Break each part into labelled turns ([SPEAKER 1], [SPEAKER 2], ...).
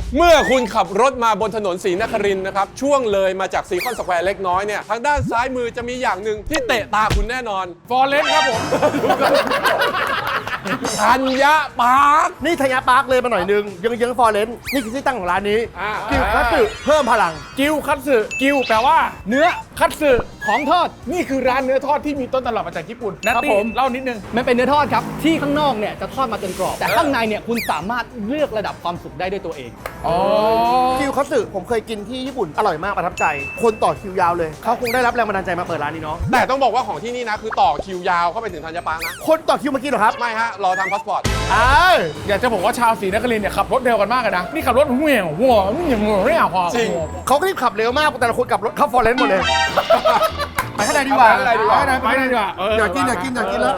[SPEAKER 1] เมื่อคุณขับรถมาบนถนนศรีนครินทร์นะครับช่วงเลยมาจากซีคอนสแควร์เล็กน้อยเนี่ยทางด้านซ้ายมือจะมีอย่างหนึ่งที่เตะตาคุณแน่นอน
[SPEAKER 2] ฟอร์เรสครับผม
[SPEAKER 1] ธัญปาร์ค
[SPEAKER 3] นี่ธัญปาร์คเลยมาหน่อยนึงยังฟอร์เรนซ์นี่คือที่ตั้งของร้านนี้
[SPEAKER 1] อ่า
[SPEAKER 3] กิวคัตสึเพิ่มพลัง
[SPEAKER 2] กิวคัตสึกิวแปลว่าเนื้อคัตสึของทอดนี่คือร้านเนื้อทอดที่มีต้นตำรับมาจากญี่ปุ่นนัตตี้เล่านิดนึง
[SPEAKER 4] มันเป็นเนื้อทอดครับ ที่ข้างนอกเนี่ยจะทอดมาจนกรอบ แต่ข้างในเนี่ยคุณสามารถเลือกระดับความสุกได้ด้วยตัวเอง
[SPEAKER 2] อ๋อ
[SPEAKER 3] กิวคัตสึผมเคยกินที่ญี่ปุ่นอร่อยมากประทับใจ คนต่อคิวยาวเลยเขาคงได้รับแรงบันดาลใจมาเปิดร้านนี้เนาะ
[SPEAKER 1] แต่ต้องบอกว่าของที่นี่นะคือต่อคิวยาวเข้าไปถึงธัญปาร์คนะ
[SPEAKER 3] คนต่อคิวมากินเหรอครับ
[SPEAKER 1] ไม่ฮะรอทำพาสปอร์ต
[SPEAKER 2] อยากจะบอกว่าชาวศรีนครินทร์เนี่ยขับรถเร็วกันมากเลยนะนี่ขับรถห่วยหัวไม่อย่างหัวไม่เอาพอ
[SPEAKER 1] จริง
[SPEAKER 3] เขาก็รีบขับเร็วมากแต่ละคนขับรถเข้าฟอร์เรนซ์หมดเลย ไปข้างในดีกว่า
[SPEAKER 1] ไปข้างในดีกว่า
[SPEAKER 3] ไปข้างในดีกว่า อยากกินแล้ว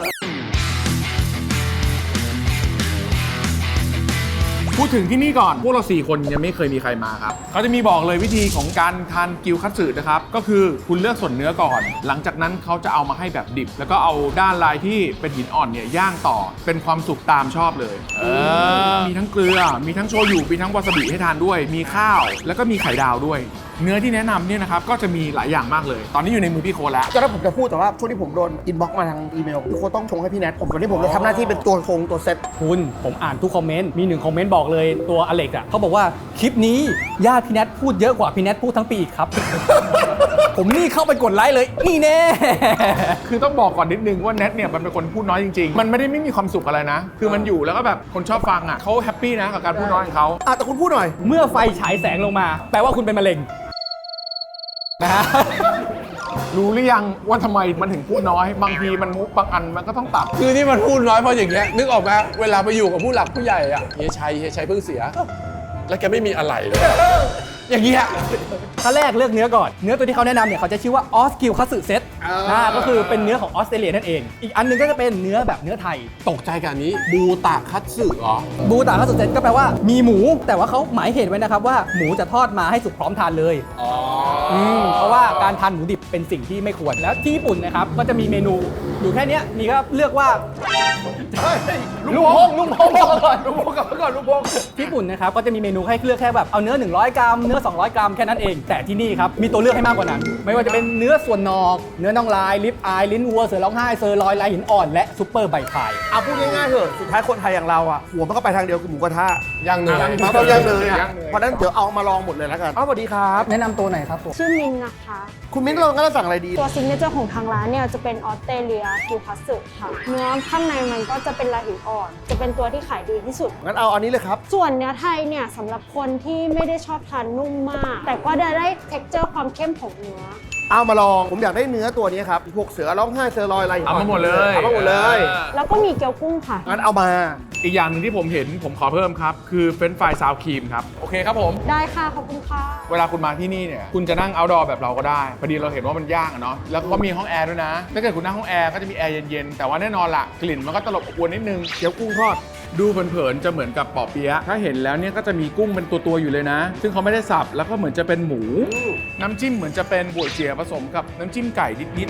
[SPEAKER 2] พูดถึงที่นี่ก่อนพวกเรา4คนยังไม่เคยมีใครมาครับเขาจะมีบอกเลยวิธีของการทานกิวคัตสึนะครับก็คือคุณเลือกส่วนเนื้อก่อน หลังจากนั้นเขาจะเอามาให้แบบดิบ แล้วก็เอาด้านลายที่เป็นหินอ่อนเนี่ยย่างต่อเป็นความสุขตามชอบเลยมีทั้งเกลือมีทั้งโชยุมีทั้งวาซาบิให้ทานด้วย มีข้าวแล้วก็มีไข่ดาวด้วย เนื้อที่แนะนำเนี่ยนะครับก็จะมีหลายอย่างมากเลย ตอนนี้อยู่ในมือพี่โค้ดแล้ว
[SPEAKER 3] ก็ถ้าผมจะพูดแต่ว่าช่วงที่ผมโดนอินบ็อกซ์มาทางอีเมลพี่โค้ชต้องชงให้พี่แนทผมตอนนี้ผมเลยทำหน้าที่เป็นตัวชงตัวเซต
[SPEAKER 4] คุณผมอ่านทุกคอมเมนต์ มี1คอมเมนต์บอกเลยตัวอเล็กอ่ะเขาบอกว่าคลิปนี้ญาติพี่แนทพูดเยอะกว่าพี่แนทพูดทั้งปีอีกครับ ผมนี่เข้าไปกดไลค์เลย นี่แน่
[SPEAKER 2] คือต้องบอกก่อนนิดนึงว่าแนทเนี่ยมันเป็นคนพูดน้อยจริงๆมันไม่ได้ไม่มีความสุขอะไรนะคือมันอยู่แล้วก็แบบคนชอบฟังอ่ะเขาแฮปปี้นะกับการพูดน้อยของเขา
[SPEAKER 3] แต่คุณพูดหน่อย
[SPEAKER 4] เมื่อไฟฉายแสงลงมา แปลว่าคุณเป็นมะเร็งนะฮะ
[SPEAKER 2] รู้หรือยังว่าทำไมมันถึงพูดน้อย บางทีมันมุกบางอันมันก็ต้องตัด
[SPEAKER 1] คือที่มันพูดน้อยเพราะอย่างเงี้ยนึกออกไหมเวลาไปอยู่กับผู้หลักผู้ใหญ่อะเฮียชัยเพิ่งเสีย แล้วแกไม่มีอะไรเลย อย่างเงี้ย
[SPEAKER 4] ขั้นแรกเลือกเนื้อก่อน เนื้อตัวที่เขาแนะนำเนี่ยเขาจะชื่อว่าออสกิลคัตสึเซตก็คือเป็นเนื้อของออสเตรเลียนั่นเอง อีกอันหนึงก็จะเป็นเนื้อแบบเนื้อไทย
[SPEAKER 1] ตกใจกับอันนี้บูตาคัตสึเหรอ
[SPEAKER 4] บูตาคัตสึเซตก็แปลว่ามีหมู แต่ว่าเขาหมายเหตุไว้นะครับว่าหมูจะทอดมาให้สุกพร้อมทานเลยเพราะว่าการทานหมูดิบเป็นสิ่งที่ไม่ควร แล้วที่ญี่ปุ่นนะครับก็จะมีเมนูอยู่แค่เนี้ยมีก็เลือกว่า
[SPEAKER 2] ลุงพงก่อนลุงพงก่อนลุงพง
[SPEAKER 4] ที่ญี่ปุ่นนะครับก็จะมีเมนูให้เลือกแค่แบบเอาเนื้อ100 กรัมเนื้อ200 กรัมแค่นั้นเอง แต่ที่นี่ครับมีตัวเลือกให้มากกว่านั้น ไม่ว่าจะเป็นเนื้อส่วนนอกเนื้อน่องลายลิปอายลิ้นวัวเสือร้องไห้เซอร์ลอยลายหินอ่อนและซุปเปอร์ใบพาย
[SPEAKER 3] เอาพูดง่ายๆเถอะสุดท้ายคนไทยอย่างเราอ่ะหัวมันก็ไปทางเดียวคือหมูกระทะ
[SPEAKER 1] ย่างเนื้อ
[SPEAKER 3] เราต้องย่างเลยอ่ะเพราะฉะนั้นเดี๋ยวเอามาลองหมดเลยแล้วกันสวัสดีครับ
[SPEAKER 4] แนะนำตัวไหนอยครับผม
[SPEAKER 5] ชื่อมินนะคะ
[SPEAKER 3] คุณมิ้นเราก็จะสั่งอะไรดี
[SPEAKER 5] ตัวซิกเนเจอร์ของทางร้านเนี่ยจะเป็นออสเตรเลียกิวคัตสึค่ะ เนื้อข้างในมันก็จะเป็นลายหินอ่อน จะเป็นตัวที่ขายดีที่สุด
[SPEAKER 3] งั้นเอาอันนี้เลยครับ
[SPEAKER 5] ส่วนเนื้อไทยเนี่ยสำหรับคนที่ไม่ได้ชอบทานนุ่มมาก แต่ก็ได้ texture ความเข้มของเนื้อ
[SPEAKER 3] เอามาลองผมอยากได้เนื้อตัวนี้ครับพวกเสือร้องไห้เซอร์ลอยอะไร
[SPEAKER 2] เอามาหมดเลย
[SPEAKER 3] เอามาหมดเลย
[SPEAKER 5] แล้วก็มีเกี๊ยวกุ้งค่ะ
[SPEAKER 3] งั้นเอามา
[SPEAKER 2] อีกอย่างหนึ่งที่ผมเห็นผมขอเพิ่มครับ คือเฟรนช์ฟรายซาวครีมครับ โอเคครับผม
[SPEAKER 5] ได้ค่ะ ขอบคุณค่ะ
[SPEAKER 2] เวลาคุณมาที่นี่เนี่ยคุณจะนั่งเอาท์ดอร์แบบเราก็ได้พอดีเราเห็นว่ามันย่างอะเนาะแล้วก็มีห้องแอร์ด้วยนะถ้าเกิดคุณนั่งห้องแอร์ก็จะมีแอร์เย็นๆแต่ว่าแน่นอนล่ะกลิ่นมันก็ตลบอบอวนนิดนึง
[SPEAKER 3] เกี๊ยวกุ้งทอด
[SPEAKER 2] ดูเผินๆจะเหมือนกับปอเปี๊ยะถ้าเห็นแล้วเนี่ยก็จะมีกุ้งเป็นตัวๆอยู่เลยนะ ซึ่งเขาไม่ได้สับแล้วก็เหมือนจะเป็นหมู น้ำจิ้มเหมือนจะเป็นบวยเจียผสมกับน้ำจิ้มไก่นิด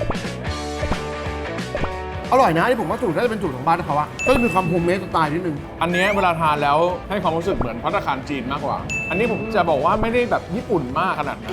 [SPEAKER 3] อร่อยนะที่ผมว่าสูตรน่าจะเป็นสูตรของบ้านเขาอะก็จะมีความโฮมเมดสไตล์นิดนึง
[SPEAKER 2] ๆอันเนี้ยเวลาทานแล้วให้ความรู้สึกเหมือนภัตตาคารจีนมากกว่า อันนี้ผมจะบอกว่าไม่ได้แบบญี่ปุ่นมากขนาดนั้น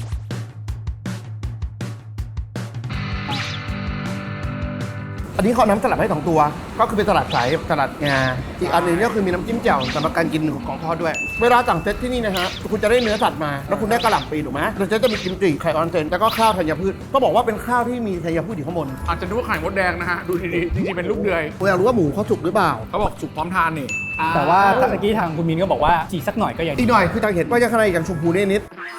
[SPEAKER 3] อันนี้เขาน้ำสลัดให้2ตัว ก็คือเป็นสลัดใสสลัดงา อีกอันหนึงเนี่ยคือมีน้ำจิ้มแจ่วสำหรับการกินของทอดด้วย เวลาสั่งเซตที่นี่นะฮะ คุณจะได้เนื้อสัตว์มา แล้วคุณได้กระหล่ำปีถูกไหมแล้วเซตจะมีกิมจิไข่ออนเซนแล้วก็ข้าวธัญพืช ก็บอกว่าเป็นข้าวที่มีธัญพืชอยู่ข้างบน
[SPEAKER 2] อาจจะนึกว่าไข่มดแดงนะฮะ ดูดีๆจริงๆเป็นลูกเดือย
[SPEAKER 3] ผมอยากรู้ว่าหมูเขาสุกหรือเปล่า
[SPEAKER 2] เขาบอกสุกพร้อมทานนี่
[SPEAKER 4] แต่ว่าเมื่อกี้ทางคุณมินก็บอกว่าจีสักหน่อยก็ยังดี
[SPEAKER 3] อีกหน่อยคือทางเห็นว่าจะข้างในอย่างชมพูนิด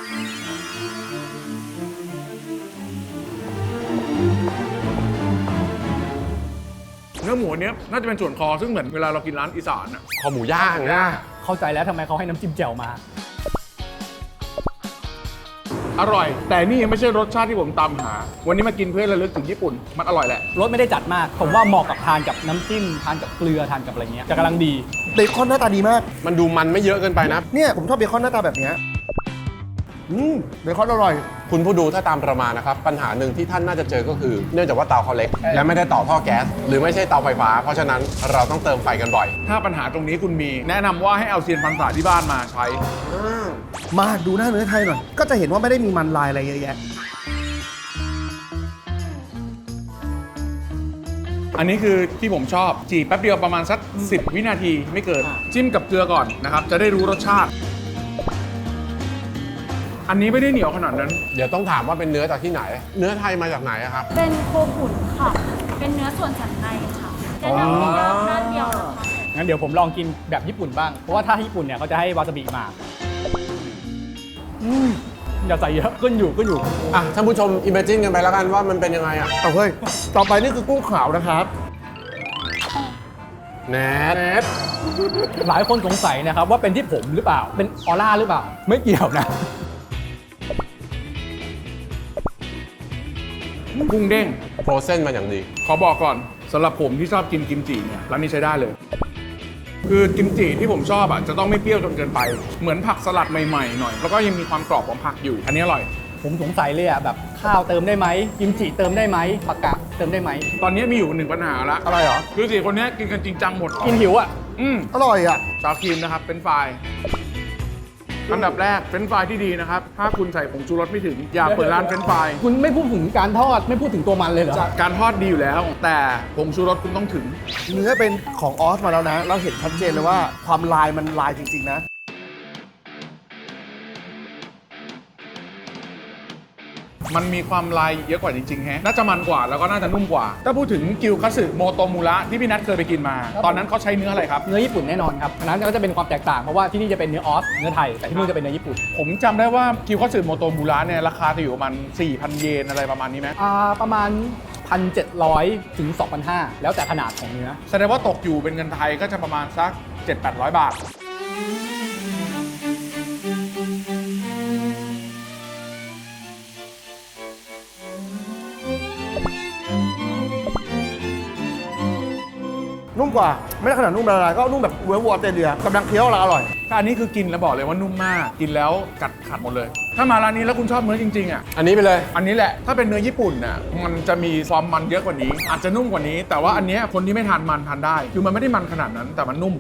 [SPEAKER 2] เนื้อหมูเนี้ยน่าจะเป็นส่วนคอซึ่งเหมือนเวลาเรากินร้านอีสานอะ
[SPEAKER 1] คอหมูย่างนะ
[SPEAKER 4] เข้าใจแล้วทำไมเขาให้น้ำจิ้มแจ่วมา
[SPEAKER 2] อร่อย แต่นี่ยังไม่ใช่รสชาติที่ผมตามหา วันนี้มากินเพื่อระลึกถึงญี่ปุ่นมันอร่อยแหละ
[SPEAKER 4] รสไม่ได้จัดมาก ผมว่าเหมาะกับทานกับน้ำจิ้มทานกับเกลือทานกับอะไรเงี้ยจะกำลังดี
[SPEAKER 3] เบคอนหน้าตาดีมาก
[SPEAKER 1] มันดูมันไม่เยอะเกินไปนะ
[SPEAKER 3] เนี่ยผมชอบเบคอนหน้าตาแบบเนี้ยเบคอนอร่อย
[SPEAKER 1] คุณผู้ดูถ้าตามประมาณนะครับปัญหาหนึ่งที่ท่านน่าจะเจอก็คือ เนื่องจากว่าเตาเขาเล็ก และไม่ได้ต่อท่อแก๊สหรือไม่ใช่เตาไฟฟ้า เพราะฉะนั้นเราต้องเติมไฟกันบ่อย
[SPEAKER 2] ถ้าปัญหาตรงนี้คุณมีแนะนำว่าให้เอาเซียนพันษาที่บ้านมาใช้
[SPEAKER 3] มาดูหน้าเนื้อไทยหน่อย ก็จะเห็นว่าไม่ได้มีมันลายอะไรเยอะแยะ
[SPEAKER 2] อันนี้คือที่ผมชอบจีบแป๊บเดียวประมาณสัก 10 วินาทีไม่เกิน จิ้มกับเกลือก่อนนะครับ จะได้รู้รสชาติ อันนี้ไม่ได้เหนียวขนาดนั้น
[SPEAKER 1] เดี๋ยวต้องถามว่าเป็นเนื้อจากที่ไหน เนื้อไทยมาจากไหนอะครับ
[SPEAKER 5] เป็นโคขุนค่ะ เป็นเนื้อส่วนสันในค่ะจะได้มีเนื้อด้านเดียวนะคะ
[SPEAKER 4] งั้นเดี๋ยวผมลองกินแบบญี่ปุ่นบ้าง เพราะว่าถ้าญี่ปุ่นเนี่ยเขาจะให้วาซาบิมาอย่าใส่เยอะขึ้นอยู่
[SPEAKER 1] อ่ะท่านผู้ชมอิมเมจินกันไปแล้วกันว่ามันเป็นยังไงอะ
[SPEAKER 3] เอาเฮ้ย ต่อไปนี่คือกุ้งขาวนะครับ
[SPEAKER 1] แนท
[SPEAKER 4] หลายคนสงสัยนะครับว่าเป็นที่ผมหรือเปล่า เป็นออร่าหรือเปล่า ไม่เกี่ยวนะ
[SPEAKER 2] กุ้งเด้ง
[SPEAKER 1] โปรเซนมาอย่างดี
[SPEAKER 2] ขอบอกก่อนสำหรับผมที่ชอบกินกิมจิเนี่ยร้านนี้ใช้ได้เลย คือกิมจิที่ผมชอบอ่ะจะต้องไม่เปรี้ยวจนเกินไป เหมือนผักสลัดใหม่ๆหน่อย แล้วก็ยังมีความกรอบของผักอยู่ อันนี้อร่อย
[SPEAKER 4] ผมสงสัยเลยอ่ะแบบข้าวเติมได้ไหมกิมจิเติมได้ไหมผักกะเติมได้ไหม
[SPEAKER 2] ตอนนี้มีอยู่หนึ่งปัญหาละ
[SPEAKER 3] อะไรเหรอ
[SPEAKER 2] คือสี่คนนี้กินกันจริงจังหมด
[SPEAKER 4] กินหิวอ่ะ
[SPEAKER 3] อร่อยอ่ะ
[SPEAKER 2] ซาวครีมนะครับเป็นไฟรายอันดับแรกเป็นไฟรายที่ดีนะครับ ถ้าคุณใส่ผงชูรสไม่ถึง อย่าเปิดร้านเป็นไฟราย
[SPEAKER 4] คุณไม่พูดถึงการทอดไม่พูดถึงตัวมันเลยเหรอ
[SPEAKER 2] การทอดดีอยู่แล้ว แต่ผงชูรสคุณต้องถึง
[SPEAKER 3] เนื้อเป็นของออสมาแล้วนะ เราเห็นชัดเจนเลยว่าความลายมันลายจริงๆนะ
[SPEAKER 2] มันมีความลายเยอะกว่าจริงๆแฮะน่าจะมันกว่าแล้วก็น่าจะนุ่มกว่า ถ้าพูดถึงกิวคัตสึโมโตมูระที่พี่นัทเคยไปกินมา ตอนนั้นเขาใช้เนื้ออะไรครับ
[SPEAKER 4] เนื้อญี่ปุ่นแน่นอนครับอันนั้นก็จะเป็นความแตกต่างเพราะว่าที่นี่จะเป็นเนื้อออสเนื้อไทยแต่ที่นู่นจะเป็นเนื้อญี่ปุ่น
[SPEAKER 2] ผมจำได้ว่ากิวคัตสึโมโตมูระเนี่ยราคาจะอยู่ประมาณ 4,000 เยนอะไรประมาณนี้ไหม
[SPEAKER 4] ประมาณ 1,700 ถึง 2,500 แล้วแต่ขนาดของเนื้อ
[SPEAKER 2] แสดงว่าตกอยู่เป็นเงินไทยก็จะประมาณสัก 700-800 บาท
[SPEAKER 3] นุ่มกว่า ไม่ได้ขนาดนุ่มละลายก็นุ่มแบบเวอร์วอเตเลียกำลังเคี้ยวอร่อย
[SPEAKER 2] ก็อันนี้คือกินแล้วบอกเลยว่านุ่มมาก กินแล้วกัดขัดหมดเลย ถ้ามาร้านนี้แล้วคุณชอบเนื้อจริงๆอ่ะ
[SPEAKER 1] อันนี้ไปเลย
[SPEAKER 2] อันนี้แหละ ถ้าเป็นเนื้อญี่ปุ่นน่ะ มันจะมีความมันเยอะกว่านี้ อาจจะนุ่มกว่านี้ แต่ว่าอันเนี้ยคนที่ไม่ทานมันทานได้ คือมันไม่ได้มันขนาดนั้น แต่มันนุ่ม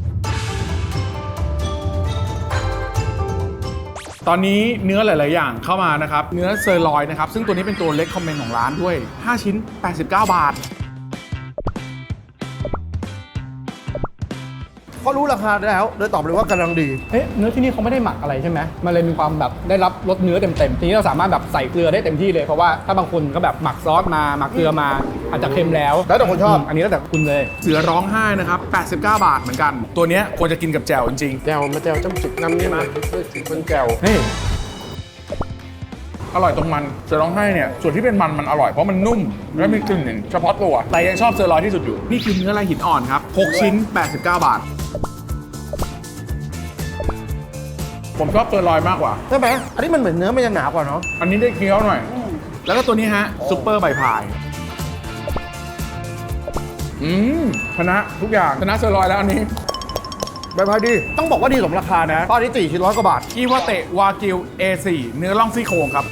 [SPEAKER 2] ตอนนี้เนื้อหลาย ๆ อย่างเข้ามานะครับ เนื้อเซอร์ลอยนะครับ ซึ่งตัวนี้เป็นตัวเล็กคอมเมนต์ของร้านด้วย 5 ชิ้น 89 บาท
[SPEAKER 3] เพราะรู้ราคาแล้วเลยตอบเลยว่ากำลังดี
[SPEAKER 4] เฮ้ยเนื้อที่นี่เขาไม่ได้หมักอะไรใช่ไหมมันเลยมีความแบบได้รับรสเนื้อเต็มๆทีนี้เราสามารถแบบใส่เกลือได้เต็มที่เลยเพราะว่าถ้าบางคนก็แบบหมักซอสมาหมักเกลือมาอาจจะเค็มแล้ว
[SPEAKER 3] แล้วแต่คนชอบ
[SPEAKER 4] อันนี้แล้วแต่คุณเลย
[SPEAKER 2] เสือร้องไห้นะครับ 89 บาทเหมือนกัน ตัวเนี้ยควรจะกินกับแจ่วจริง
[SPEAKER 1] แจวมาแจวจ้ำจิกน้ำนี่มาเป็นแจว
[SPEAKER 4] เฮ้ย
[SPEAKER 2] ๆ อร่อยตรงมัน เสือร้องไห้เนี่ย ส่วนที่เป็นมันอร่อยเพราะมันนุ่ม และมีกลิ่นเฉพาะตัว แต่ยังชอบเซอร์ลอยที่สุดอยู่ นี่คือเนื้อลายหินอ่อนครับ 6 ชิ้น 89 บาท ผมชอบเซอร์ลอยมากกว่า
[SPEAKER 3] ใช่ไหม อันนี้มันเหมือนเนื้อมันจะหนากว่าเนาะ
[SPEAKER 2] อันนี้ได้เคี้ยวหน่อย แล้วก็ตัวนี้ฮะซุปเปอร์ใบพายชนะทุกอย่างชนะเซอร์ลอยแล้วอันนี้
[SPEAKER 3] ใบพายดี ต้องบอกว่าดีสมราคานะตอนนี้4ชิ้น100 กว่าบาท
[SPEAKER 2] อีวาเตะวากิว A4 เนื้อล่องซี่โครงครับ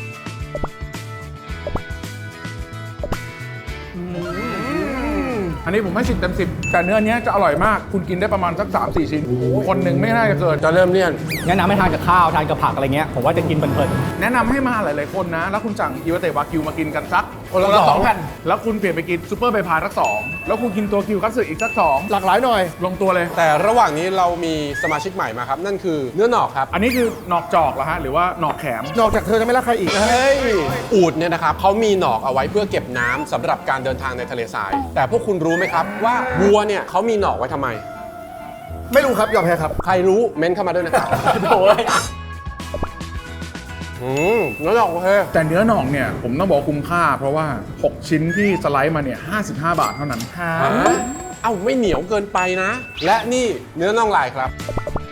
[SPEAKER 2] อันนี้ผมให้10 เต็ม 10 แต่เนื้ออันเนี้ยจะอร่อยมาก คุณกินได้ประมาณสัก 3-4 ชิ้น คนหนึ่งไม่น่าจะเกิน
[SPEAKER 1] จะเริ่มเลี่ยน
[SPEAKER 4] แนะนำให้ทานกับข้าวทานกับผักอะไรเงี้ยผมว่าจะกินเพลิน
[SPEAKER 2] แนะนำให้มาหลาย ๆ คนนะ แล้วคุณสั่งอีวาเตะวากิวมากินกันสัก
[SPEAKER 1] คนละสอง
[SPEAKER 2] แผ่นแล้วคุณเปลี่ยนไปกินซูเปอร์ใบพายสัก 2 แล้วคุณกินตัวกิวคัตสึอีกสัก
[SPEAKER 3] หลากหลายหน่อย
[SPEAKER 2] 2 ลงตัวเลย
[SPEAKER 1] แต่ระหว่างนี้เรามีสมาชิกใหม่มาครับ นั่นคือเนื้อหนอกครับ
[SPEAKER 2] อันนี้คือหนอกจอกเหรอฮะ หรือว่าหนอกแขม
[SPEAKER 3] นอกจากเธอจะไม่รักใครอีก
[SPEAKER 1] เฮ้ย อูฐเนี่ยนะครับเขามีหนอกเอาไว้เพื่อเก็บน้ำสำหรับการเดินทางในทะเลทราย แต่พวกคุณรู้ไหมครับว่าวัวเนี่ยเขามีหนอกไว้ทำไม
[SPEAKER 3] ไม่รู้ครับยอมแพ้ครับ
[SPEAKER 1] ใครรู้เม้นเข้ามาด้วยนะครับ
[SPEAKER 4] ๆโอ้ย
[SPEAKER 1] เนื้อหนอกโอเค
[SPEAKER 2] แต่เนื้อหนองเนี่ยผมต้องบอกคุ้มค่า เพราะว่า 6 ชิ้นที่สไลด์มาเนี่ย55 บาทเท่านั้น
[SPEAKER 1] เอ้าไม่เหนียวเกินไปนะ และนี่เนื้อน่องลายครับ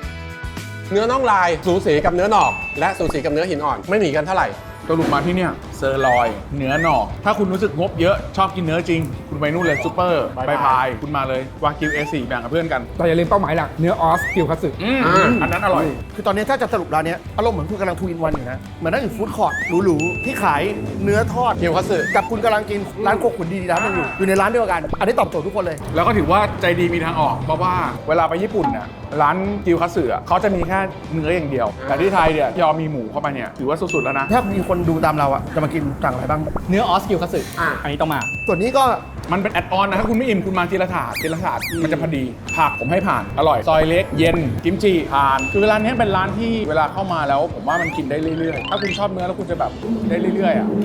[SPEAKER 1] เนื้อน่องลายสูสีกับเนื้อหนอก และสูสีกับเนื้อหินอ่อน ไม่หนีกันเท่าไหร่
[SPEAKER 2] สรุปมาที่เนี่ยเซอร์ลอย เนื้อหนอก ถ้าคุณรู้สึกงบเยอะชอบกินเนื้อจริง คุณไปนู่นเลยซูเปอร์ใบพายคุณมาเลยวากิว A4 แบ่งกับเพื่อนกัน
[SPEAKER 4] แต่อย่าลืมเป้าหมายหลักเนื้อออสกิวคัตสึ
[SPEAKER 2] อันนั้นอร่อย
[SPEAKER 3] คือตอนนี้ถ้าจะสรุปร้านเนี้ยอารมณ์เหมือนคุณกำลังทูอินวันอยู่นะ เหมือนนั่งอยู่ฟู้ดคอร์ทหรูๆที่ขายเนื้อทอด
[SPEAKER 1] เกี๊ยวคัตสึ
[SPEAKER 3] กับคุณกำลังกินร้านโคขุนดีๆร้านหนึงอยู่ในร้านเดียวกัน อันนี้ตอบโจทย์ทุกคนเลย
[SPEAKER 2] แล้วก็ถือว่าใจดีมีทางออก เพราะว่าเวลาไปญี่ปุ่นน่ะร้านกิวคัตสึอ่ะเขาจะมีแค่เนื้ออย่างเดียว แต่ที่ไทยเนี่ยยอมมีหมูเข้าไปเนี่ยถือว่าสุดๆแล้วนะ
[SPEAKER 3] ถ้ามีคนดูตามเราอะจะมากินสั่งอะไรบ้าง
[SPEAKER 4] เนื้อออสกิวคัตสึอันนี้ต้องมา
[SPEAKER 3] ส่วนนี้ก็
[SPEAKER 2] มันเป็นแอดออนนะถ้าคุณไม่อิ่มคุณมาทีละถาดมันจะพอดีผักผมให้ผ่านอร่อยซอยเล็กเย็นกิมจิผ่านคือร้านนี้เป็นร้านที่เวลาเข้ามาแล้วผมว่ามันกินได้เรื่อยๆถ้าคุณชอบเนื้อแล้วคุณจะแบบได้เรื่อยๆอ่ะ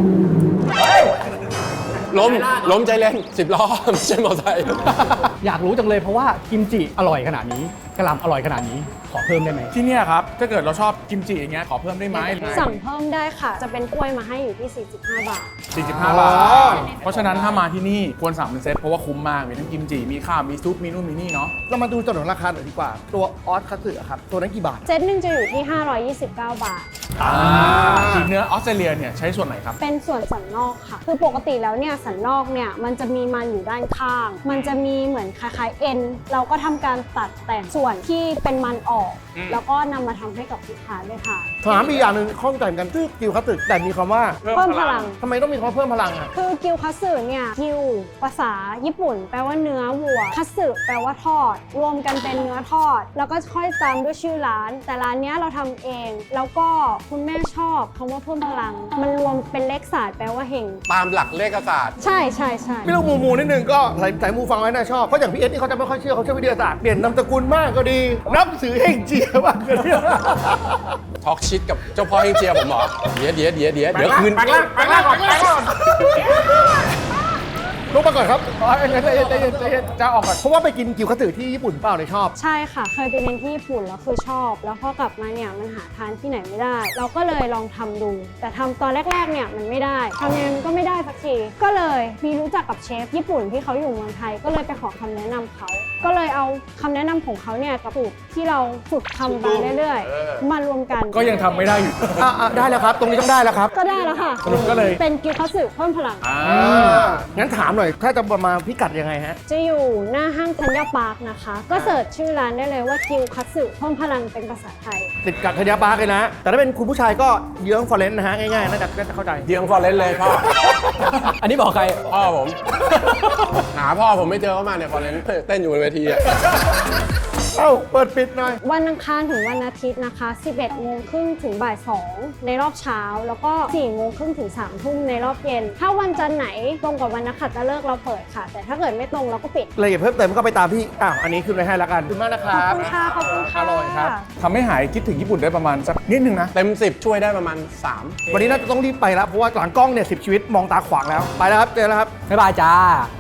[SPEAKER 1] ล้มใจเร่ง10 ล้อ ไม่ใช่มอเตอร์ไซค์
[SPEAKER 4] อยากรู้จังเลยเพราะว่ากิมจิอร่อยขนาดนี้กะหล่ำอร่อยขนาดนี้ขอเพิ่มได้ไหม
[SPEAKER 2] ที่เนี่ยครับถ้าเกิดเราชอบกิมจิอย่างเงี้ยขอเพิ่มได้ไหม
[SPEAKER 5] สั่งเพิ่มได้ค่ะ จะเป็นกล้วยมาให้อยู่ที่ 45 บาท
[SPEAKER 2] 45 บาทเพราะฉะนั้นถ้ามาที่นี่ควรสั่งเป็นเซตเพราะว่าคุ้มมากมีทั้งกิมจิมีข้าวมีซุปมีนู่นมีนี่เนาะ
[SPEAKER 3] เรามาดูจำนวนราคาหน่อยดีกว่า ตัวออสคัตสึอะครับตัวนั้นกี่บาท
[SPEAKER 5] เซตหนึ่งจะอยู่ที่ 529 บาท
[SPEAKER 2] จีเนื้อออสเตรเลียเนี่ยใช้ส่วนไหนครับ
[SPEAKER 5] เป็นส่วนสันนอกค่ะ คือปกติแล้วเนี่ยสันนอกเนี่ยมันจะมีมันอยู่ด้านข้าง มันจะมีเหมือนคล้ายๆเอ็น เราก็ทำการตัดแต่งส่วนที่เป็นมันออก แล้วก็นำมาทำให้กับลูกค้าด้วยค่ะ
[SPEAKER 3] ถามอีกอย่างหนึ่งข้องใจเหมือนกันชื่อกิวคัตสึแต่มีคำว่า
[SPEAKER 5] เพิ่มพลัง
[SPEAKER 3] ทำไมต้องมีคำว่าเพิ่มพลังอะ
[SPEAKER 5] คือกิวคัตสึเนี่ยกิวภาษาญี่ปุ่น แปลว่าเนื้อวัวคัตสึแปลว่าทอด รวมกันเป็นเนื้อทอด แล้วก็ค่อยตามด้วยชื่อร้าน แต่ร้านเนี้ยเราทำเอง แล้วก็คุณแม่ชอบคำว่าเพิ่มพลัง มันรวมเป็นเลขศาสตร์แปลว่าเฮง
[SPEAKER 1] ตามหลักเลขศาสตร์
[SPEAKER 5] ใช่ใช่ใช่
[SPEAKER 3] พี่ลูกมูนิดนึงก็สายมูฟังไว้น่าชอบ เพราะอย่างพี่เอสนี่เขาจะไม่ค่อยเชื่อเขาเชื่อวิทยาศาสตร์เปลี่ยนนามสกุลมากก็ดี นับสือเฮงเจียบ้างก็ดี
[SPEAKER 1] ทอล์กชิดกับเจ้าพ่อเฮงเจียผมเหรอเดี๋ยวคืน
[SPEAKER 2] ไปล่างก่อน
[SPEAKER 3] ลงมาก่อนครับ
[SPEAKER 2] ใจเย็นจะออกก่อน
[SPEAKER 3] เพราะว่าไปกินกิวคัตสึที่ญี่ปุ่นเปล่าเลยชอบ
[SPEAKER 5] ใช่ค่ะ เคยไปเรียนที่ญี่ปุ่นแล้วคือชอบ แล้วพอกลับมาเนี่ยมันหาทานที่ไหนไม่ได้ เราก็เลยลองทำดู แต่ทำตอนแรกๆเนี่ยมันไม่ได้ทำยังไงมันก็ไม่ได้สักที ก็เลยมีรู้จักกับเชฟญี่ปุ่นที่เขาอยู่เมืองไทย ก็เลยไปขอคำแนะนำเขา ก็เลยเอาคำแนะนำของเขาเนี่ยกับสูตรที่เราฝึกทำมาเรื่อยๆ มารวมกัน
[SPEAKER 2] ก็ยังทำไม่ได้อยู่
[SPEAKER 3] ได้แล้วครับ ตรงนี้ต้องได้แล้วครับ
[SPEAKER 5] ก็ได้แล้วค่ะ
[SPEAKER 2] สรุปก็เลย
[SPEAKER 5] เป็นกิวคัตสึเพิ่มพลัง
[SPEAKER 3] งั้นถามหน่อย ถ้าจะมาพิกัดยังไงฮะ
[SPEAKER 5] จะอยู่หน้าห้างธัญปาร์คนะคะ ก็เสิร์ชชื่อร้านได้เลยว่ากิวคัตสึเพิ่มพลังเป็นภาษาไทย
[SPEAKER 3] ติดกับธัญญาปาร์คเลยนะ แต่ถ้าเป็นคุณผู้ชายก็เยื้องฟอเรนต์นะฮะ ง่ายๆ น่าจะเข้าใจ
[SPEAKER 1] เดียงฟอร์เรนเลยพ่อ
[SPEAKER 4] อันนี้บอกใคร
[SPEAKER 1] พ่อผม หาพ่อผมไม่เจอเขามาเนี่ยฟอร์เรนเต้นอยู่บนเวทีอะ
[SPEAKER 3] เอ้า เปิดปิดหน่อย
[SPEAKER 5] วันอังคารถึงวันอาทิตย์นะคะ 11 โมงครึ่งถึงบ่าย 2 ในรอบเช้า แล้วก็ 4 โมงครึ่งถึง 3 ทุ่มในรอบเย็น ถ้าวันจันทร์ไหนตรงกับวันนักขัตฤกษ์เราเปิดค่ะ แต่ถ้าเกิดไม่ตรงเราก็ปิด
[SPEAKER 3] รายละเอียดเพิ่มเติมก็ไปตามพี่ อันนี้ขึ้นไว้ให้แล้วกัน ขอบคุณมากนะค
[SPEAKER 5] ขอบ
[SPEAKER 3] รับ
[SPEAKER 5] คุณค่ะ ขอบคุณค่ะ
[SPEAKER 3] อร่อยครับ
[SPEAKER 2] ทำให้หายคิดถึงญี่ปุ่นได้ประมาณสักนิดนึงนะ
[SPEAKER 1] เต็ม 10 ช่วยได้ประมาณ 3
[SPEAKER 3] วันนี้น่าจะต้องรีบไปแล้ว เพราะว่าหลังกล้องเนี่ย10 ชีวิตมองตาขวางแล้ว ไปแล้วครับ เจอแล้วครับ
[SPEAKER 4] บ๊ายบายจ้า